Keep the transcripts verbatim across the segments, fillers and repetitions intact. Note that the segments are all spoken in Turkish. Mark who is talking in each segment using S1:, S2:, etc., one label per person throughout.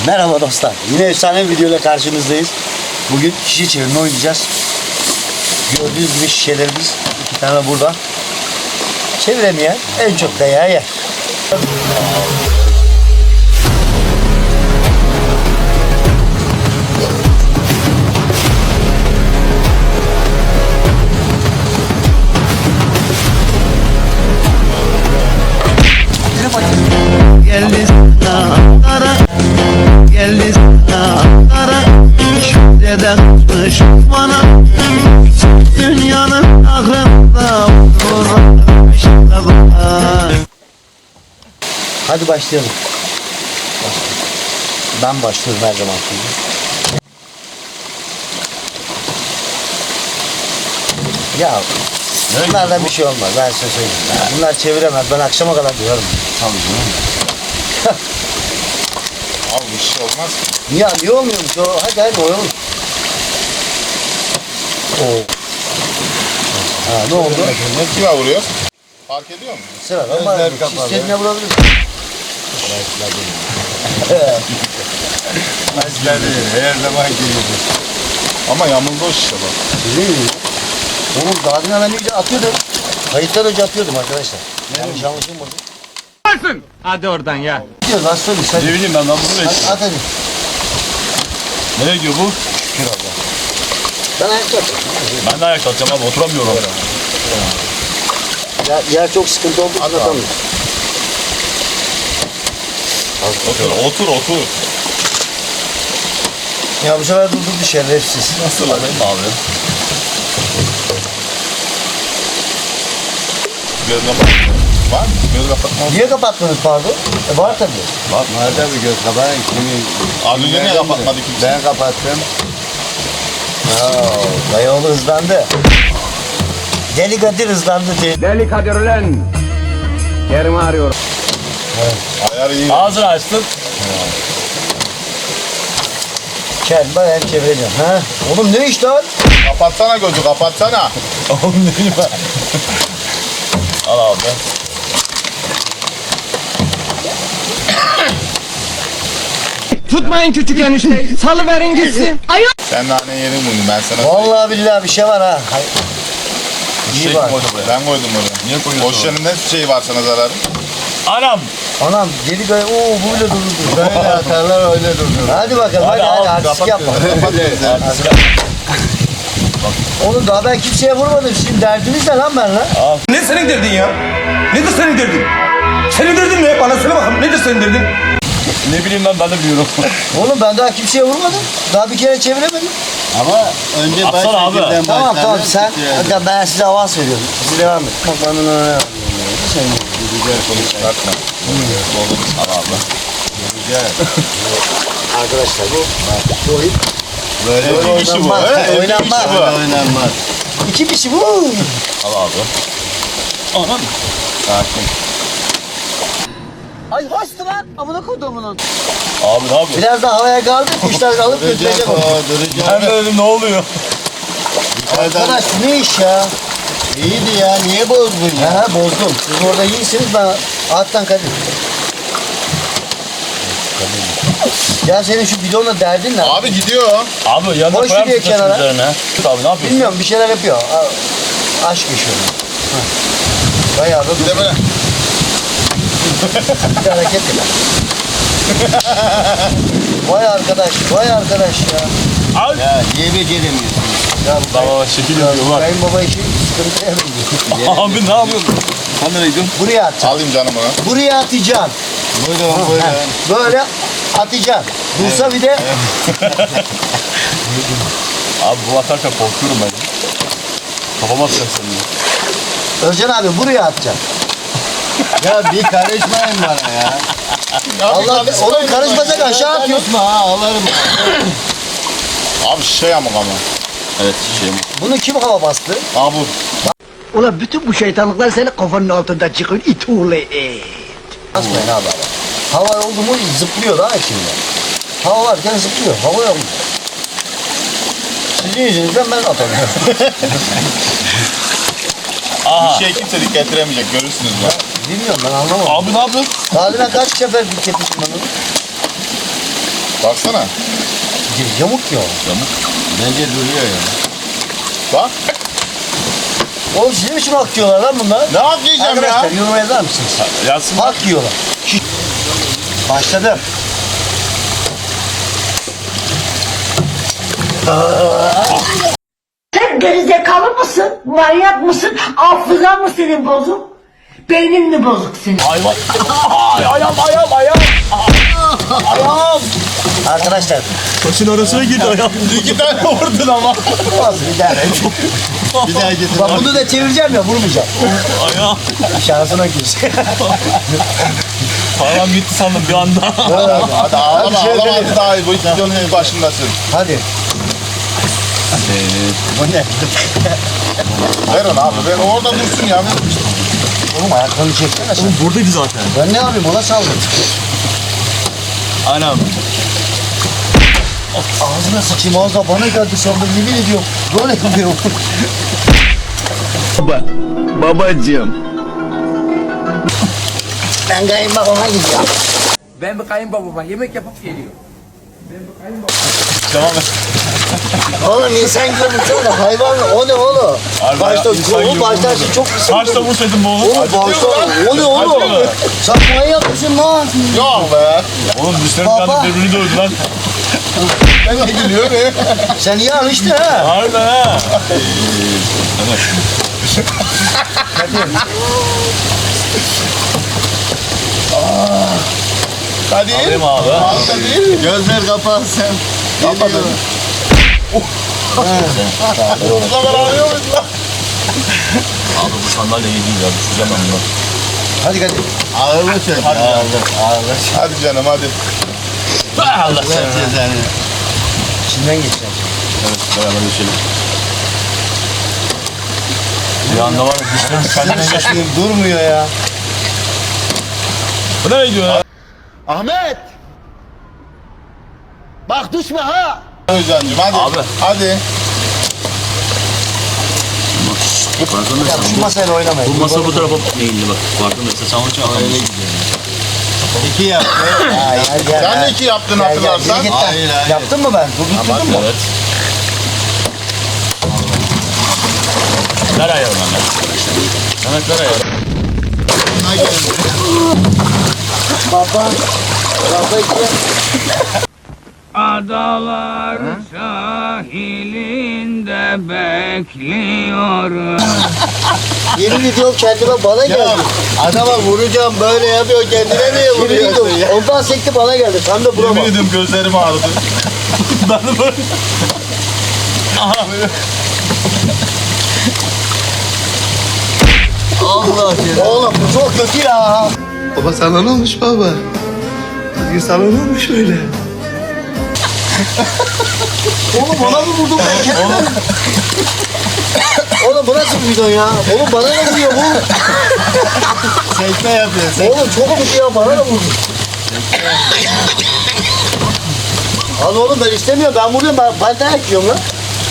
S1: Merhaba dostlar. Yine efsane bir videoyla karşınızdayız. Bugün şişe çevirme oynayacağız. Gördüğünüz gibi şişelerimiz iki tane burada. Çeviremeyen en çok dayağı yer.
S2: Geldi sana geldi sana şükreden kış bana dünyanın aklında
S1: Hadi başlayalım. Ben başlıyorum her zaman. Ya bunlardan bir şey olmaz, ben size söyleyeyim. Bunlar çeviremez, ben akşama kadar duyarım.
S3: Tabii canım. Abi bir şey olmaz ki.
S1: Ya niye olmuyormuş o? Hadi hadi oynayalım. Oo. Ha ne oldu?
S3: Ne kime vuruyor? Fark ediyor mu?
S1: Sıra ama
S3: Gözler kapalı.
S1: istediğine vurabilirsin.
S3: Mesler değil, her zaman geliyordu. Ama yamuldu o şişe bak.
S1: Değil mi? Oğlum daha dün ben önce atıyordum. Kayıttan önce atıyordum arkadaşlar. Yanlış anlaşılmadı.
S4: Hadi oradan ya.
S1: Gidiyoruz aslanım sen.
S3: Ne bileyim ben ben bunu
S1: At, at hadi.
S3: Nereye gidiyor bu?
S1: Şükür Allah. Ben ayakta atıyorum.
S3: Ben de ayakta atacağım abi oturamıyorum.
S1: Ya, yer çok sıkıntı olduğu için
S3: At abi.
S1: atamıyorum.
S3: Otur, otur, otur.
S1: Ya bu sefer durdurdu şerefsiz.
S3: Nasıl alayım abi? Göz kapat. Var mı? Göz kapatma.
S1: Niye kapatmadınız pardon? E var tabii.
S5: Bak nerede bir göz kapağı kimi...
S3: Az önce niye kapatmadı kimse?
S5: Ben kapattım.
S1: Oo, dayıoğlu hızlandı. Deli Kadir hızlandı diye.
S4: Deli Kadir ulan. Yerimi arıyorum.
S3: Ayarı iyi.
S4: Ağzını açtın.
S1: Kel bayağı çevireceğim. Ha? Oğlum ne iş lan?
S3: Kapatsana gözü, kapatsana.
S1: Oğlum ne bileyim ben.
S3: Al abi.
S4: Tutmayın küçük enişteyi. Salıverin gitsin.
S3: Sen nane yerin bunu, ben sana söyleyeyim.
S1: Vallahi billahi bir şey var ha. Hay-
S3: Bir
S1: İyi
S3: şey
S1: var.
S3: koydum buraya. Ben koydum oraya. Niye koyuyorsun? O şişenin ne şey var sana zararı?
S4: Anam.
S1: Anam deli Kadir. Oo bu bile durdu.
S5: Böyle atarlar öyle durdur.
S1: Hadi bakalım hadi hadi, hadi artistik yapma.
S3: Kapat gözleri.
S1: Oğlum daha ben kimseye vurmadım. Sizin derdiniz ne lan benimle?
S6: Ne senin derdin ya? Nedir senin derdin? Senin derdin ne? Bana söyle bakalım. Nedir senin derdin?
S3: Ne bileyim ben, ben de biliyorum.
S1: Oğlum ben daha kimseye vurmadım. Daha bir kere çeviremedim.
S5: Ama önce baş
S3: Atsana abi.
S5: şekilden
S1: Tamam
S5: başlarlar,
S1: tamam sen.
S5: titrer.
S1: Hadi ben size avans veriyorum. Siz devam et. Bak bana ne ne Sen
S3: Güzel konuş çıkartma. Oldu. Al abi.
S5: Güzel.
S1: arkadaşlar bu. Bu oyun.
S5: Böyle
S1: Böyle
S3: Evli kişi bu.
S1: oynanmaz.
S3: he? Evli
S1: Oynanmaz.
S3: kişi
S5: böyle
S3: bu.
S5: oynanmaz.
S1: İki kişi bu.
S3: Al abi. Anam. Sakin.
S1: Ay hoştu lan. Amına kodumunun.
S3: Abi ne yapıyorsun?
S1: Biraz daha havaya kaldı. Kuşlar alıp
S5: Duracak
S1: götürecek
S5: o,
S1: onu.
S5: duracak.
S3: Ben de dedim ne oluyor?
S1: Arkadaş bu ne iş ya?
S5: İyiydi ya, niye bozdun ya?
S1: Ha bozdum. Siz orada iyisiniz ben alttan Kadir. Ya senin şu bidonla derdin ne?
S3: Abi gidiyor.
S4: Abi yanına
S1: Koy
S4: koyar
S1: şuraya
S4: mısın
S1: kenara.
S4: taşın üzerine? Tut abi ne yapıyorsun?
S1: Bilmiyorum bir şeyler yapıyor. A- aşk yaşıyor. Ha. Bayağı da
S3: Bir de böyle.
S1: bir hareket yap. Vay arkadaş, vay arkadaş ya.
S5: Ya niye beceremiyorsun?
S1: Ya bu
S4: Baba şekil yapıyor bak.
S1: kayınbaba işi sıkıntıya benziyor.
S4: Abi ne yapıyorsun? Sen nereye gidiyorsun?
S1: Buraya atacaksın.
S3: Alayım canım onu.
S1: Buraya atacaksın.
S5: Buyurun buyurun.
S1: Ha, böyle atacaksın. Dursa bir de
S4: Abi bu atarken korkuyorum ben. Kafama atacak seni.
S1: Özcan abi buraya atacaksın.
S5: Ya bir karışmayın bana ya.
S1: Allah oğlum karışmasak aşağı atıyorsun.
S5: Karışma ha, alırım.
S3: Abi şey yamuk ama. Evet şey yamuk.
S1: Bunu kim hava bastı?
S3: Abi bu.
S2: Ulan bütün bu şeytanlıklar senin kafanın altında çıkıyor. İt oğlu it.
S1: Basmayın abi. Hava oldu mu zıplıyor daha içinde. Hava varken zıplıyor. Hava yok. Sizin yüzünüzden ben atamıyorum.
S3: Bir şey kimse dik getiremeyecek görürsünüz bak.
S1: Bilmiyorum ben anlamadım.
S4: Abi ne yapıyorsun?
S1: Daha dün ben kaç sefer dik getirdim ben onu.
S3: Baksana.
S1: Yamuk ya.
S5: Bence duruyor ya.
S3: Bak.
S1: Oğlum sizin için hak yiyorlar lan bunlar.
S3: Ne hak yiyeceğim ya?
S1: Arkadaşlar yorum yazar mısınız?
S4: Yazsın.
S1: Hak yiyorlar. Başladım.
S7: Sen gerizekalı mısın? Manyak mısın? Hafızan mı senin bozuk? Beynin mi bozuk senin?
S4: Hayvan. Ay, ayağım ayağım ayağım. Ayağım.
S1: Arkadaşlar.
S4: Taşın arasına girdi ayağım.
S3: İki tane vurdun ama.
S1: Olsun bir daha.
S5: Bir daha getir.
S1: Bak bunu da çevireceğim ya vurmayacağım.
S4: Ayağım.
S1: Şansına girsin.
S4: Param gitti sandım bir anda.
S3: Hadi ağlama
S1: Hadi şey
S3: ağlama
S1: edelim.
S3: hadi daha iyi. Bu videonun ilk başındasın.
S1: Hadi. Bu ne?
S3: Ver onu abi. Ver orada dursun ya. Ver.
S1: Oğlum ayaklarını çeksene sen.
S4: Buradaydı zaten.
S1: Ben ne yapayım ona saldım.
S4: Anam.
S1: Ağzına sıçayım ağzına bana geldi sandım yemin ediyorum. Böyle yapıyorum.
S5: Babacığım.
S1: Ben kayınbabama gidiyorum.
S2: Ben bir kayınbabama yemek yapıp geliyor.
S4: Devam et.
S1: Oğlum insan gibi vursana hayvan o ne oğlum?
S4: Harbi
S1: Başta
S4: ya, insan
S1: o
S4: gibi
S1: başta
S4: vurdu.
S1: şey çok kısa.
S4: Kaçta vursaydın bu oğlum?
S1: Oğlum başta o ne oğlum?
S4: Acıyor.
S1: Sen manyak mısın lan?
S3: Yok be.
S4: Oğlum dişlerim
S1: Baba.
S4: kandı birbirini dövdü lan.
S3: Ben de gülüyor ne?
S1: Sen iyi alıştın ha.
S4: Harbiden ha.
S3: Hadi.
S4: Alayım abi.
S3: Hadi.
S5: Gözler kapansın.
S3: Kapadın. Bu zaman ağlıyor muyuz lan?
S4: Abi bu sandalye iyi değil ya. Düşeceğim ben bunu.
S1: Hadi hadi.
S5: Ağırlı çek.
S4: Hadi.
S5: Ağırlı. Ağırlı.
S3: Hadi canım hadi.
S4: Allah
S5: Ver
S4: seni.
S5: cezanı.
S1: İçinden geçeceğim.
S4: Evet beraber geçelim. Bir anda var ya dişlerim kendine geçti.
S1: Saçmalıyım durmuyor ya.
S4: Bu nereye gidiyor ya?
S5: Ahmet. Bak düşme ha.
S3: Özcan'cım hadi.
S4: Abi.
S3: Hadi.
S1: Ya şu masayla oynamayın.
S4: Bu masa bu tarafa eğildi bak. Farkındaysa sen onun için atamıyorsun.
S5: İki yaptı.
S1: Hayır gel.
S3: Sen de iki yaptın
S1: Gel, gel,
S3: hatırlarsan.
S1: geri git lan.
S5: Hayır, hayır.
S1: Yaptın mı ben? Durdurdun mu?
S4: Evet. Ver ayarını lan. Mehmet ver ayarını.
S5: Buna geldi.
S1: Baba. Baba iki.
S8: Adalar sahilinde bekliyorum.
S1: Yeni video kendime bana
S5: Ya
S1: geldi.
S5: adama vuracağım böyle yapıyor kendine niye
S1: Yeni
S5: vuruyorsun
S1: video.
S5: ya?
S1: Ondan sekti bana geldi. Sen de
S3: Yemin
S1: vurama.
S3: ediyorum gözlerim ağrıdı.
S4: Ben de böyle.
S5: Allah ya.
S1: Oğlum bu çok kötü ya.
S5: Baba sana ne olmuş baba? Bugün sana ne olmuş öyle?
S1: Oğlum bana mı vurdun ben kendime? Oğlum bu nasıl bir video ya? Oğlum bana ne vuruyor bu?
S5: Sekme yapıyor sekme.
S1: Oğlum çok kötü ya bana ne vurdun? Al oğlum ben istemiyorum ben vuruyorum ben, ben dayak yiyorum lan.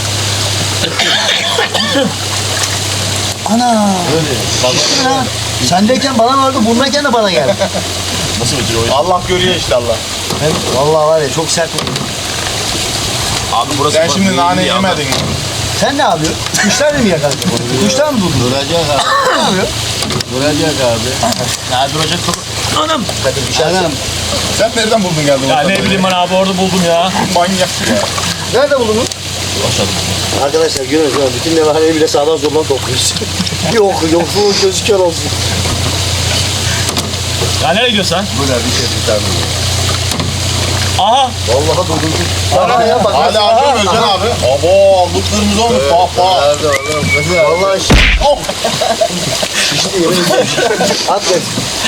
S1: Ana. Öyle. Ya. Sendeyken bana vardı, bundayken de bana geldi.
S4: Nasıl bitiriyor oyun?
S3: Allah görüyor işte Allah.
S1: Ben, vallahi var ya çok sert vurdu.
S4: Abi burası
S3: Sen
S4: bak,
S3: şimdi
S4: iyi
S3: nane
S4: değil ama.
S3: yemedin mi?
S1: Sen ne yapıyorsun? Kuşlar mı yakaladın? Kuşlar mı durdun?
S5: Duracak abi.
S1: Ne yapıyorsun?
S5: Duracak abi.
S4: Ya duracak kapı. Anam.
S1: Hadi bir şey
S5: Anam.
S3: Sen nereden buldun geldin?
S4: Ya
S3: ortada
S4: ne bileyim ben abi orada buldum ya.
S3: Manyak ya.
S1: Nerede buldunuz?
S4: Aşağıda.
S1: Arkadaşlar görüyoruz ya bütün nevaleyi bile sağdan soldan topluyoruz. Yok yokluğun gözü kör olsun.
S4: Ya nereye gidiyorsun sen?
S5: Bu da bir şey tutar mı?
S4: Aha.
S1: Vallahi durdum. Bana ya bak.
S3: Hadi acıyor Özcan abi. Abo bu kırmızı olmuş. Bak bak.
S5: Nerede oğlum?
S1: Vallahi şi-
S3: Oh.
S1: şişti yemin ediyorum. At ver.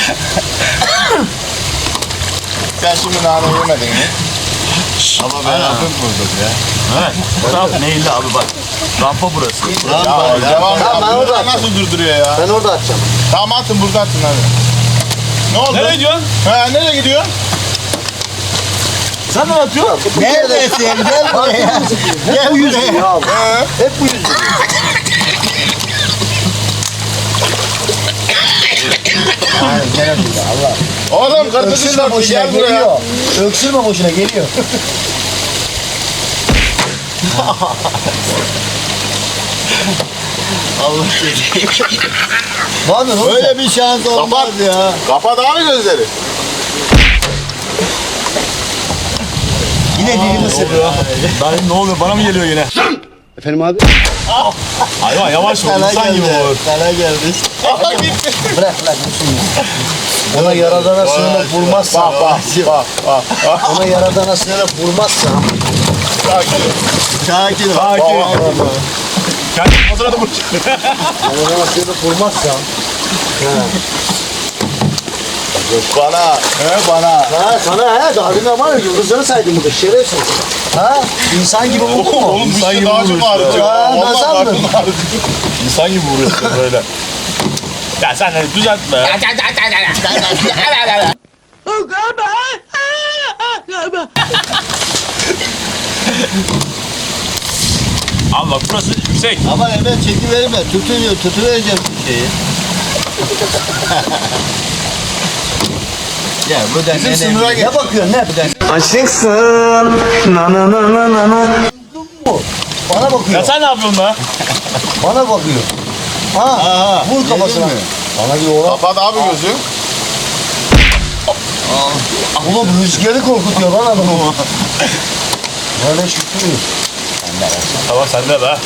S3: Sen şimdi nane yemedin mi?
S5: Ama ben hafif vurdum ya.
S4: Evet. Bu taraf neydi abi bak. Rampa burası.
S3: Ya devam
S1: Tamam, ben
S3: ya.
S1: orada
S3: Burada
S1: atacağım.
S3: nasıl durduruyor ya?
S1: Ben orada atacağım.
S3: Tamam atın burada atın hadi. Ne oldu?
S4: Nereye gidiyorsun?
S3: He nereye gidiyor?
S4: Sen ne atıyorsun?
S5: Neredesin? Gel buraya.
S1: Hep bu yüz ya.
S3: He.
S1: Hep bu yüz. Hayır gene değil Allah.
S3: Oğlum kırmızı
S1: Öksürme
S3: şortlu
S1: boşuna
S3: gel buraya.
S1: geliyor. Öksürme boşuna geliyor.
S5: Allah seni.
S1: Ne yapıyorsun oğlum?
S5: Böyle bir şans olmaz ya.
S3: Kapat abi gözleri.
S1: Yine dilimi ısırıyor.
S4: Ben ne oluyor? Bana mı geliyor yine?
S5: Efendim abi?
S4: Hayvan yavaş ol.
S5: Sana
S4: İnsan gibi
S5: geldi.
S4: olur.
S5: Sana geldi.
S3: Aha gitti.
S1: Bırak bırak dursun ya. Ona yaradana sığınıp vurmazsa.
S3: Bak bak bak bak. bak.
S1: Ona yaradana sığınıp vurmazsa.
S3: Sakin.
S5: Sakin ol.
S4: Sakin. Kendi hazır adamı.
S1: Yaradana sığınıp vurmazsa.
S3: Bana. He bana.
S1: Ha sana he daha demin var ya yıldızları saydım burada şerefsiz. Ha insan gibi vurdun mu?
S3: Oğlum
S4: İnsan
S3: bir
S4: gibi
S3: şey daha çok
S4: vuruyorsun.
S3: ağrıtıyor.
S1: Ya,
S3: Vallahi
S1: nasıl
S3: karnım
S1: aldın?
S3: ağrıtıyor.
S4: İnsan gibi vuruyorsun böyle. Ya sen de düzeltme. Abi bak burası yüksek.
S5: Ama hemen çekiverme. Tutuyor, tutuvereceğim bir şeyi. Ya bu da
S3: Bizim
S5: ne
S3: sınıra
S5: ne-
S3: gel.
S1: Ne bakıyorsun ne?
S6: Aşıksın. Na na na na na na.
S1: Bana bakıyor.
S4: Ya sen ne yapıyorsun be?
S1: Bana bakıyor. Ha
S5: Aha,
S1: vur kafasına.
S5: yedin mi?
S1: Bana diyor oğlum.
S3: Kapat abi gözü.
S1: Oğlum rüzgarı korkutuyor lan adamı. Böyle şükrü.
S4: Tamam sende be.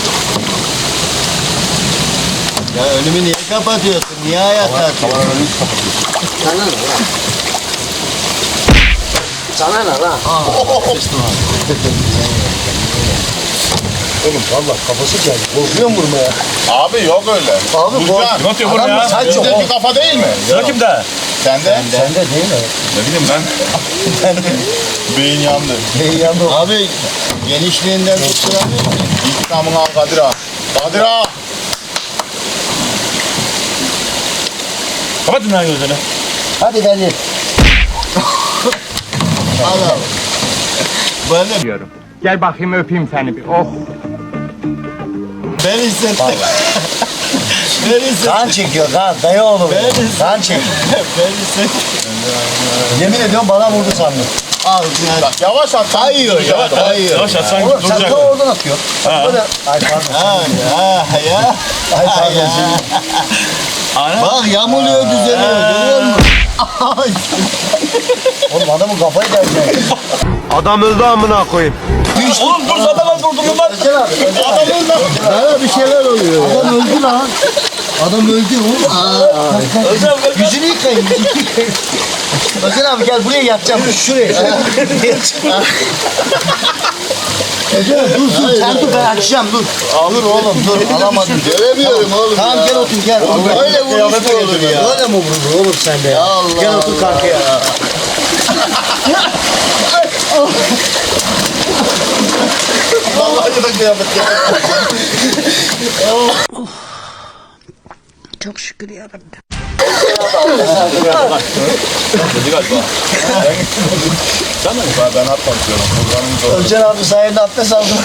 S5: Ya önümü niye kapatıyorsun? Niye ayakta atıyorsun?
S1: Sana ne lan? Sana ne lan? Oğlum valla kafası geldi. Korkuyor mu vurmaya?
S3: Abi yok öyle.
S1: Abi
S3: Gürcan,
S1: kork.
S4: Ne atıyor bunu
S1: Adam
S4: ya?
S1: da saç yok.
S3: Bizdeki kafa değil mi?
S4: Sıra kimde?
S3: Sende.
S1: Sende değil mi?
S3: Ne bileyim ben. Beyin yandı.
S1: Neyi yandı o?
S5: Abi genişliğinden tutturamıyor musun?
S3: İntikamını al Kadir ağa. Kadir ağa.
S4: Kapatın lan gözünü.
S1: Hadi Daniel.
S5: Al al. Böyle
S8: Gel bakayım öpeyim seni bir. Oh.
S5: ben hissettim. ben hissettim.
S1: Kan çekiyor kan. Dayı oğlum.
S5: Ben-
S1: Kan çek.
S5: ben hissettim.
S1: Yemin ediyorum bana vurdu sandım.
S5: Al yani.
S3: Bak yavaş at.
S5: Kayıyor ya. Kayıyor.
S4: Yavaş at sanki
S1: Oğlum sen
S4: duracak.
S1: de oradan atıyor. Böyle. Ay pardon.
S5: Ha ya ya.
S1: Ay pardon.
S5: ya.
S1: seni.
S5: Bak yamuluyor düzeliyor. Görüyor musun? Ay.
S1: Oğlum adamın kafayı delecek.
S6: Adam öldü amına koyayım.
S4: Oğlum dur zaten ben durdurdum lan.
S1: Özcan abi. Özcan abi.
S5: Bana bir şeyler oluyor.
S1: Adam öldü lan. Adam öldü oğlum. Aa,
S4: Özlem gel.
S1: Yüzünü yıkayın. Yüzünü yıkayın. Özcan abi gel buraya yatacağım. Şuraya. Özcan abi dur dur. Sen dur ben açacağım dur. Dur oğlum dur. Alamadım.
S5: Göremiyorum oğlum
S1: Tamam
S5: ya.
S1: gel otur gel.
S5: Öyle vuruş mu olur ya?
S1: Böyle mi vurulur oğlum sende ya?
S5: Allah
S1: Gel otur
S5: Allah.
S1: karşıya.
S3: Vallahi da kıyamet ya.
S7: Çok şükür yarabbim.
S4: Dedi galiba. Sen mi?
S3: Ben, ben atmatıyorum. Kurbanım zor.
S1: Özcan abi sayende abdest aldım.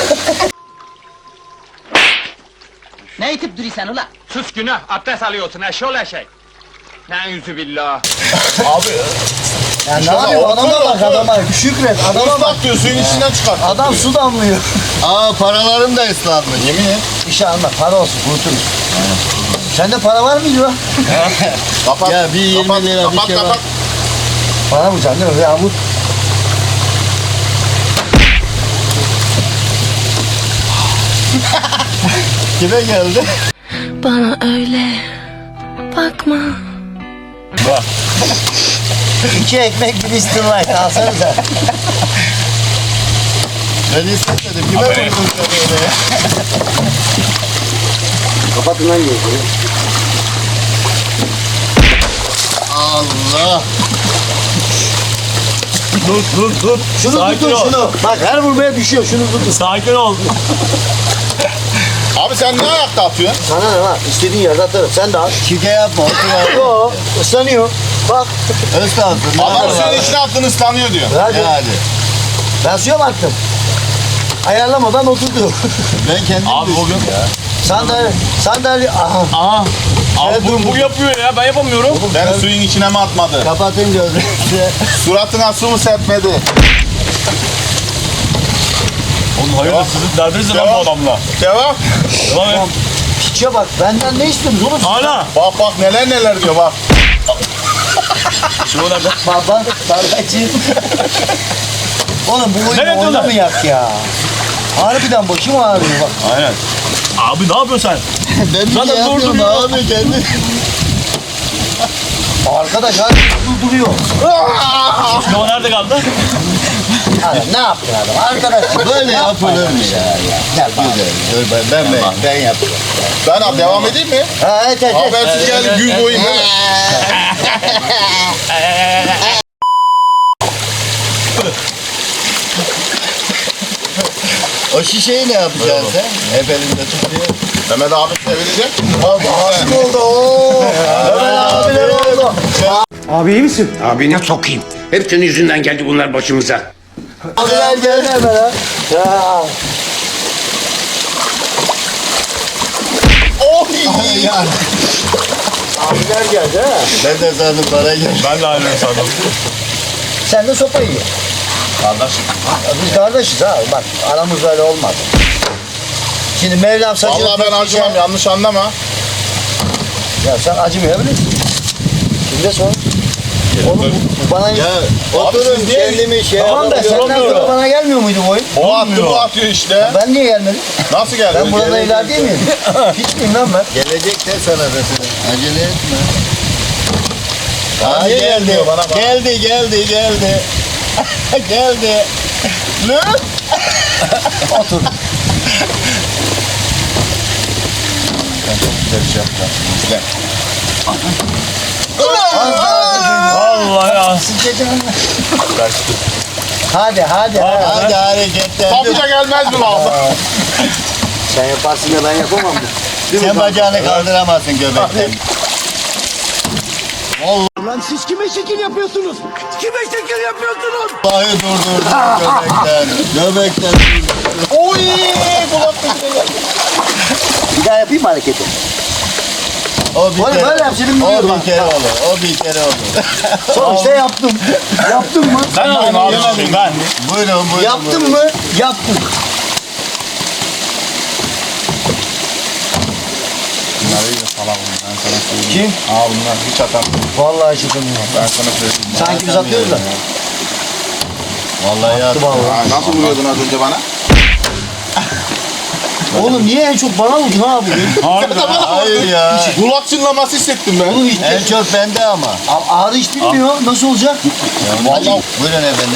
S2: Ne itip duruyorsun ulan?
S8: Sus günah. Abdest alıyorsun eşol eşek. Ne yüzü billah.
S3: Abi.
S1: Ya ne
S3: Şuna
S1: yapayım
S3: otur,
S1: adama bak
S3: otur.
S1: adama. Şükret adama bak.
S3: Islak diyor suyun içinden çıkart.
S1: Adam su damlıyor.
S5: Aa paralarım da ıslanmış.
S3: Yemin et.
S1: Bir şey alma para olsun kuruturuz. Sende para var mıydı lan?
S3: Kapat.
S5: Ya bir yirmi
S3: kapat,
S5: lira bir
S3: kapat,
S5: şey var.
S3: kapat.
S1: Para mı can değil mi? Ya vur.
S5: Kime geldi?
S9: Bana öyle bakma.
S1: İki ekmek bir istin light alsanıza.
S5: Ben hissetmedim. Kime
S4: Aferin.
S5: vurdun sen öyle ya?
S1: Kapatın lan gözünü.
S5: Allah.
S4: Dur dur dur.
S1: Şunu
S4: Sakin
S1: tutun
S4: ol.
S1: şunu. Bak her vurmaya düşüyor şunu tutun.
S4: Sakin ol.
S3: Abi sen ne ayakta atıyorsun?
S1: Sana ne lan? İstediğin yerde atarım. Sen de at.
S5: Şike yapma. Otur abi.
S1: Yo ıslanıyor. Bak.
S5: Islansın.
S3: Adam suyun içine attın ıslanıyor diyor.
S1: Hadi.
S5: Yani.
S1: Ben suya mı attım? Ayarlamadan oturdu.
S5: Ben kendim
S4: Abi
S5: düştüm
S4: bugün.
S5: ya.
S1: Sandalye, sandalye, aha.
S4: Aha. Abi bu, bu yapıyor ya ben yapamıyorum.
S3: Ben suyun içine mi atmadı?
S5: Kapatın gözünü.
S3: Suratına su mu serpmedi?
S4: Oğlum hayırdır sizin derdiniz ne lan bu adamla?
S3: Devam.
S4: Devam et.
S1: Piçe bak benden ne istiyorsunuz oğlum?
S4: Ana.
S3: Bak bak neler neler diyor bak.
S4: Şimdi o nerede?
S1: Baba sargacı. Oğlum bu oyunu
S4: Nereye diyorlar?
S1: oynamayak ya. Harbiden başım ağrıyor bak.
S4: Aynen. Abi ne yapıyorsun sen?
S5: Ben bir
S4: Zaten
S5: şey yapmıyorum
S4: durduruyor.
S5: abi kendi.
S1: Arkadaş hadi durduruyor.
S4: Şimdi o nerede kaldı?
S1: Adam ne yaptın adam? Arkadaş
S5: Böyle yapılır mı ya?
S1: Gel bak.
S5: Güzel. Dur ben ben ben, ben yapacağım.
S3: Ben abi devam edeyim mi?
S1: Ha evet evet. evet.
S3: Habersiz geldi gün boyu değil mi?
S5: O şişeyi ne yapacaksın sen? Hep elinde tutuyor.
S3: Mehmet abi sevilecek.
S1: Aşık oldu ooo. Ömer abiler oldu.
S6: Abi iyi misin?
S10: Abine sokayım. Hep senin yüzünden geldi bunlar başımıza.
S1: Abiler geldi hemen ha. Ya.
S3: Oh
S5: Yani
S1: Abiler geldi ha.
S5: ben de sandım para geldi.
S4: Ben de aynı sandım.
S1: Sen de sopa yiyor.
S3: Kardeşim.
S1: Biz kardeşiz ha. Bak aramız öyle olmaz. Şimdi Mevlam saçını...
S3: Vallahi ben acımam yanlış anlama.
S1: Ya sen acımayabilirsin. Kimde sor? Oğlum bu, bu bana...
S5: Ya
S3: Abi
S5: oturun
S3: siz niye-
S5: kendimi şey
S1: Tamam da
S5: yapamıyorum.
S1: senden sonra bana gelmiyor muydu bu oyun?
S3: O attı bu atıyor işte.
S1: Ben niye gelmedim?
S3: Nasıl geldi?
S1: Ben burada evler değil miyim? Hiç miyim lan ben?
S5: Gelecek de sana da sana. Acele etme.
S3: Bana
S5: Aa,
S3: niye
S5: geldi.
S3: gelmiyor bana bak.
S5: Geldi geldi geldi. geldi.
S3: Lan!
S1: Otur.
S3: Güzel bir şey yapacağım. İzle.
S4: Vallahi ya.
S1: Kaçtı. Hadi hadi. hadi.
S5: Hadi hareketler.
S3: Kapıca gelmez mi lan?
S1: Sen yaparsın da ben yapamam mı?
S5: Sen bacağını kaldıramazsın göbekten.
S2: Lan siz kime şekil yapıyorsunuz? Kime şekil yapıyorsunuz?
S5: Vallahi durdurdu göbekten. Göbekten.
S3: Oy! Kulak
S1: Bir daha yapayım mı hareketi?
S5: O bir
S1: Oğlum
S5: kere.
S1: böyle yap, senin
S5: O
S1: buyur
S5: bir
S1: bak.
S5: kere olur. O bir kere olur.
S1: Sonuçta yaptım. Yaptın mı?
S4: Ben alayım abi şimdi ben.
S5: Buyurun buyurun.
S1: Yaptın
S5: buyurun.
S1: mı? Yaptım.
S3: Bunlar iyice salak bunlar. Ben sana söyleyeyim.
S1: Kim?
S3: Aa bunlar hiç atar.
S1: Vallahi çıkamıyorum.
S3: Ben sana söyleyeyim.
S1: Sanki biz atıyoruz da.
S5: Vallahi yaptım.
S3: Aa, nasıl vuruyordun az önce bana?
S1: Oğlum niye en çok bana vurdun abi?
S5: Hayır ya.
S3: Kulak çınlaması hissettim ben.
S1: Oğlum hiç
S5: En çok bende ama.
S1: A- ağrı hiç bilmiyor. Nasıl olacak?
S3: Vallahi
S5: Buyurun efendim.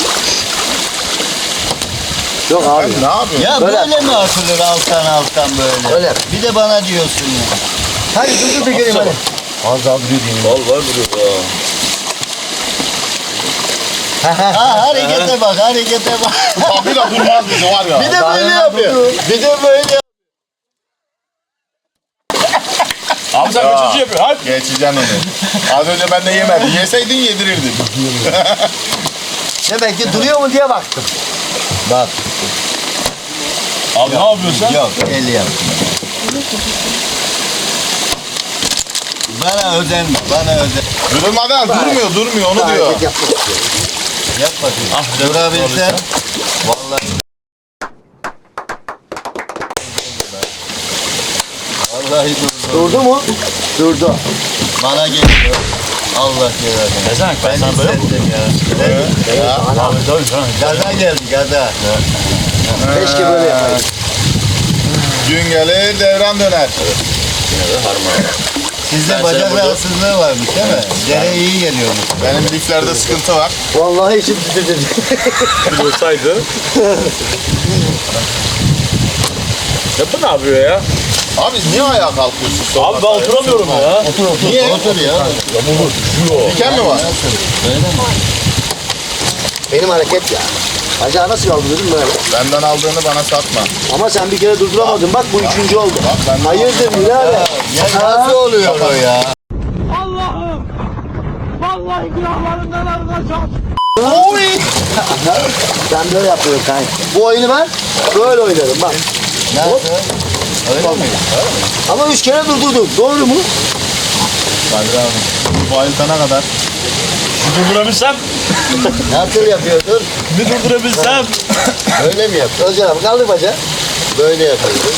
S1: Yok abi.
S3: ne yapıyorsun?
S5: Ya
S1: Böyle
S5: böyle, mi atılır alttan alttan böyle?
S1: Öyle.
S5: Bir de bana diyorsun ya.
S1: Hadi dur dur da göreyim hadi. Az daha duruyor diyeyim.
S4: Val var duruyor ya.
S5: Ha harekete bak harekete bak.
S3: Kapıyla durmaz bizi var ya.
S5: Bir de böyle yapıyor. Bir de böyle yapıyor.
S4: Abi sen kaçıncı yapıyorsun? Hadi.
S3: Geçeceksin onu. Az önce ben de yemedim. Yeseydin yedirirdin.
S1: Demek ki duruyor mu diye baktım.
S5: Bak.
S4: Abi ne yapıyorsun sen?
S5: Yok el yap. Bana özenme, bana özen.
S3: Durmadan durmuyor, durmuyor onu diyor.
S1: Hareket yapmak istiyorum.
S5: Yap bakayım.
S4: Ah,
S5: Durabilsen. Vallahi. Vallahi durdu.
S1: Durdu mu? Durdu.
S5: Bana geliyor. Allah yarabbim.
S4: Bezenek ben
S5: Ben
S4: sana böyle mi?
S5: hissettim ya.
S3: Evet.
S5: Ya.
S4: Abi tabii canım.
S5: Gaza geldi gaza.
S1: Keşke böyle yapaydım.
S3: Gün gelir devran döner.
S5: Sizde bacak rahatsızlığı varmış değil mi? Dere iyi geliyormuş.
S3: Benim liflerde sıkıntı var.
S1: Vallahi içim titredi.
S4: Olsaydı. Ya bu ne yapıyor ya?
S3: Abi niye ayağa kalkıyorsun sonra?
S4: Abi ben oturamıyorum ya.
S5: Otur otur.
S3: Niye?
S5: Otur ya.
S3: Diken mi var?
S5: Öyle mi?
S1: Benim hareket ya. Bacağı nasıl kaldırdım böyle?
S3: Benden aldığını bana satma.
S1: Ama sen bir kere durduramadın. Bak bu üçüncü oldu.
S3: Bak benden
S1: Hayırdır birader?
S5: Ya nasıl oluyor o ya?
S1: Oy! Ben böyle yapıyorum kanka. Bu oyunu ben böyle oynarım bak.
S5: Nasıl? Öyle mi?
S1: Ama üç kere durdurdum. Doğru mu?
S3: Kadir abi. Bayıltana kadar.
S4: Durdurabilsem,
S5: Nasıl yapıyordun?
S4: bir durdurabilsem.
S5: Öyle mi yapıyordun?
S1: Özcan abi kaldır bacağı.
S5: Böyle yapıyordun.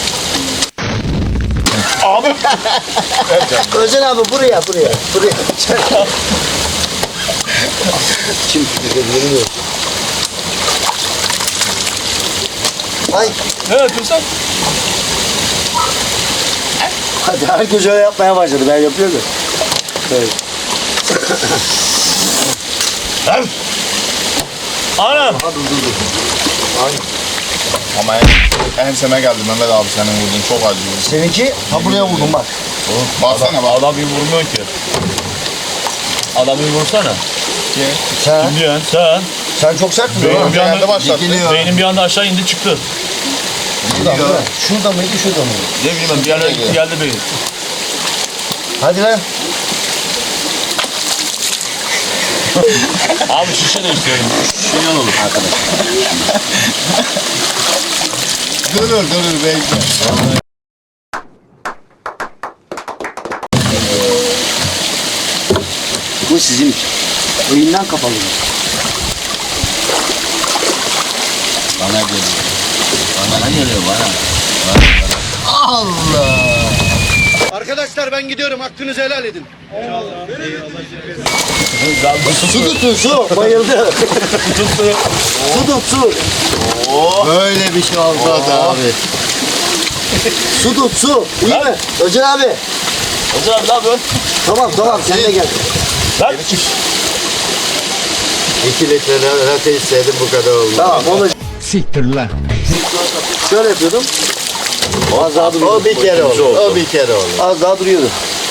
S4: Abi.
S1: Özcan abi buraya buraya. Buraya. Kim bilmiyorum. Ay
S4: Ne yapıyorsun?
S1: hadi herkes öyle yapmaya başladı. Ben yapıyorum. Evet.
S4: Anam.
S3: Ama en, enseme geldi Mehmet abi senin vurdun. Çok acıyor.
S1: Seninki ha buraya vurdum bak.
S3: Baksana bak.
S4: Adam bir vurmuyor ki. Adam bir vursana.
S1: Sen,
S4: Kim diyorsun? Sen.
S1: sen çok sert mi?
S4: Benim bir
S3: Geldi
S4: anda,
S3: başlattı.
S4: beynim bir anda aşağı indi çıktı.
S1: Şurada mı? Şurada mıydı şurada mıydı?
S4: Ne bileyim ben bir yerlere gitti geldi beynim.
S1: Hadi lan.
S4: Abi şişe değiştirelim. Şişe olur arkadaş.
S5: Durur durur bekle.
S1: Bu sizin oyundan kapalı.
S5: Bana geliyor.
S4: Bana geliyor bana.
S2: Arkadaşlar ben gidiyorum. Hakkınızı helal edin.
S1: Su tutun su. Bayıldı. Su tut su.
S5: Böyle bir şey olmaz abi.
S1: Su tut su. İyi mi? Özcan abi.
S4: Hocam abi ne yapıyorsun?
S1: Tamam tamam sen de gel.
S4: Lan.
S5: İki litre latte içseydim bu kadar olmaz.
S1: Tamam onu
S2: Siktir lan.
S1: şöyle yapıyordum. Az daha duruyordu.
S5: O bir kere olur. O bir kere olur.
S1: Az daha duruyordu.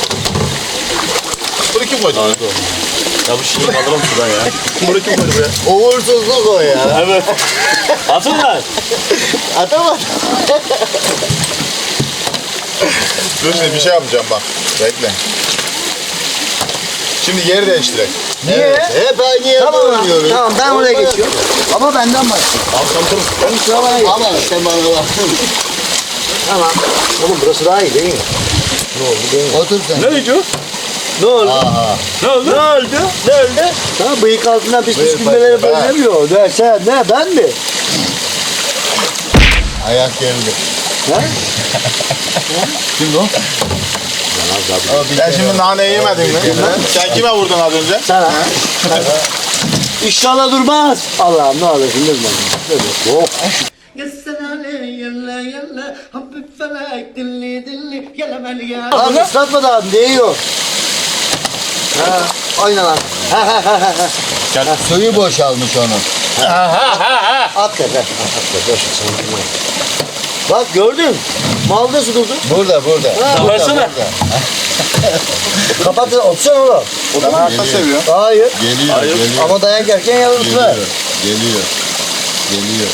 S3: Bunu kim koydu?
S4: Ya bu şişeyi kaldıralım şuradan ya.
S3: Bunu kim koydu buraya?
S5: Uğursuzluk o ya.
S4: Evet. Atın lan.
S5: Atamadım.
S3: Dur şimdi bir şey yapacağım bak. Bekle. Şimdi yeri değiştirek.
S1: Niye?
S5: Hep aynı yerde
S1: Tamam lan.
S5: oynuyoruz.
S1: Tamam ben oraya
S5: Olmaz.
S1: geçiyorum. Ama benden başla. Benim sıra bana geç.
S5: Ama sen bana bak.
S1: Tamam. Oğlum burası daha iyi değil mi? Ne oldu değil mi?
S5: Otur sen.
S4: Ne diyor?
S1: Ne oldu?
S5: Aha.
S4: Ne oldu?
S1: Ne oldu? Ne oldu? Tamam bıyık altından pis pis
S5: Bıyık
S1: gülmeleri
S5: başka, ben.
S1: benzemiyor. Ne sen ne ben mi?
S5: Ayak geldi.
S1: Ha?
S4: Kimdi o?
S5: O bir
S3: Sen
S5: kere
S3: şimdi
S5: olur.
S3: naneyi yemedin mi? Sen kime vurdun az önce?
S1: Sana. İnşallah durmaz. Allah'ım ne olur şimdi durmaz. Oh. Lan ıslatma da değiyor. Ha, aynen lan. Ha ha ha ha.
S4: Gel.
S5: Suyu boşalmış onun.
S1: At da ver. At da ver. Bak gördün. Malda su durdu.
S5: Burada burada.
S1: Ha,
S5: burada,
S4: versene.
S5: burada.
S1: Kapat otursana oğlum.
S3: Ben hayatta seviyorum.
S1: Hayır.
S5: Geliyor,
S4: Hayır.
S5: geliyor.
S1: Ama dayak yerken yalnız
S5: Geliyor,
S1: ver.
S5: geliyor. Geliyor.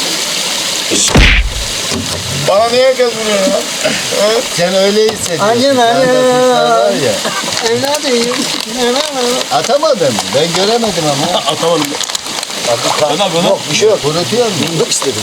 S3: Bana niye herkes vuruyor ya? Evet.
S5: Sen öyle hissediyorsun.
S1: Aynen, aynen.
S5: Sağda kuşlar var ya.
S1: Evladım.
S5: Atamadım. Ben göremedim ama.
S4: Atamadım. Sen ne yapıyorsun?
S1: Yok bir şey yok.
S5: Kurutuyor mu?
S1: Yok istedim.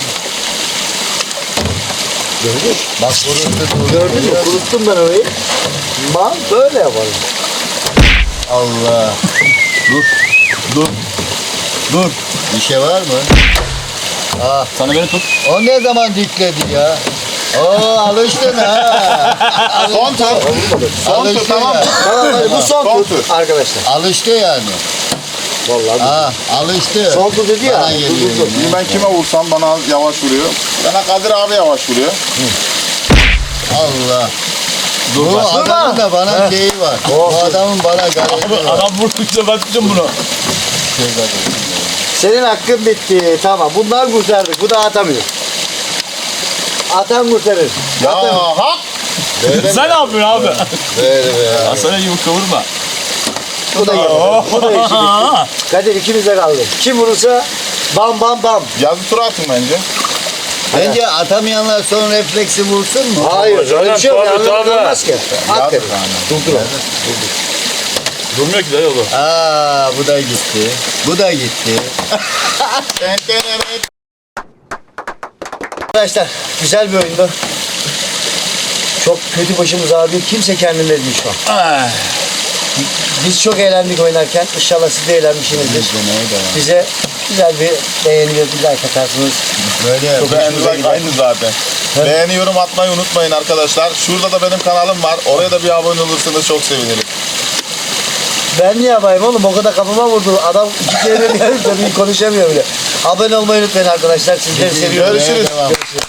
S1: Gördün mü?
S5: Bak kurutu
S1: Gördün mü? Kuruttum ben orayı. Mal böyle yaparım.
S5: Allah. Dur. Dur. Dur. Bir şey var mı? Ah.
S4: Sana beni tut.
S5: O ne zaman dikledi ya? Oo alıştın ha.
S3: Son tur. Son tur
S5: Alıştın
S3: tamam mı?
S5: ya.
S1: Tamam hadi bu son,
S3: Son
S1: tur.
S3: tur.
S1: Arkadaşlar.
S5: Alıştı yani.
S1: Vallahi.
S5: Ha, alıştı.
S1: Son tur dedi ya.
S5: Bana
S1: Dur,
S5: geliyor
S1: dur, dur.
S5: yine.
S3: Şimdi ben kime vursam bana yavaş vuruyor. Bana Kadir abi yavaş vuruyor.
S5: Allah.
S4: Dur
S5: Bu
S4: bak.
S5: adamın da bana şeyi var. Bu adamın bana gayreti var.
S4: Adam vurdukça ben tutacağım bunu.
S5: Şey var.
S1: Senin hakkın bitti. Tamam. Bunlar kurtardık. Bu da atamıyor. Atan kurtarır.
S3: Ya
S1: Atamıyor.
S3: hak.
S5: Böyle
S4: Sen ne yapıyorsun abi?
S5: Böyle be.
S4: Hasan'a yumruk kavurma.
S1: Bu da iyi. Bu da işi bitti. Kadir ikimize kaldı. Kim vurursa bam bam bam.
S3: Yazı tura atın bence.
S5: Bence atamayanlar son refleksi vursun mu?
S1: Hayır. Öyle bir şey yok.
S4: Tabii,
S1: Yanlış
S4: tabii.
S1: olmaz ki. At Kadir. Durdur onu.
S4: Durmuyor ki dayı oğlum.
S5: Aa bu da gitti. Bu da gitti.
S1: Arkadaşlar güzel bir oyundu. Çok kötü başımız ağrıyor. Kimse kendinde değil şu an. Biz çok eğlendik oynarken. İnşallah siz de eğlenmişsinizdir. Bize güzel bir beğeni ve bir like atarsınız.
S3: Böyle
S1: Çok
S3: beğeni
S1: hoşumuza
S3: like
S1: gider.
S3: aynı zaten. Beğeni yorum atmayı unutmayın arkadaşlar. Şurada da benim kanalım var. Oraya da bir abone olursanız çok sevinirim.
S1: Ben niye yapayım oğlum? O kadar kafama vurdu. Adam iki kere geldi tabii konuşamıyor bile. Abone olmayı unutmayın arkadaşlar. Sizleri seviyorum.
S3: Görüşürüz.
S1: Görüşürüz.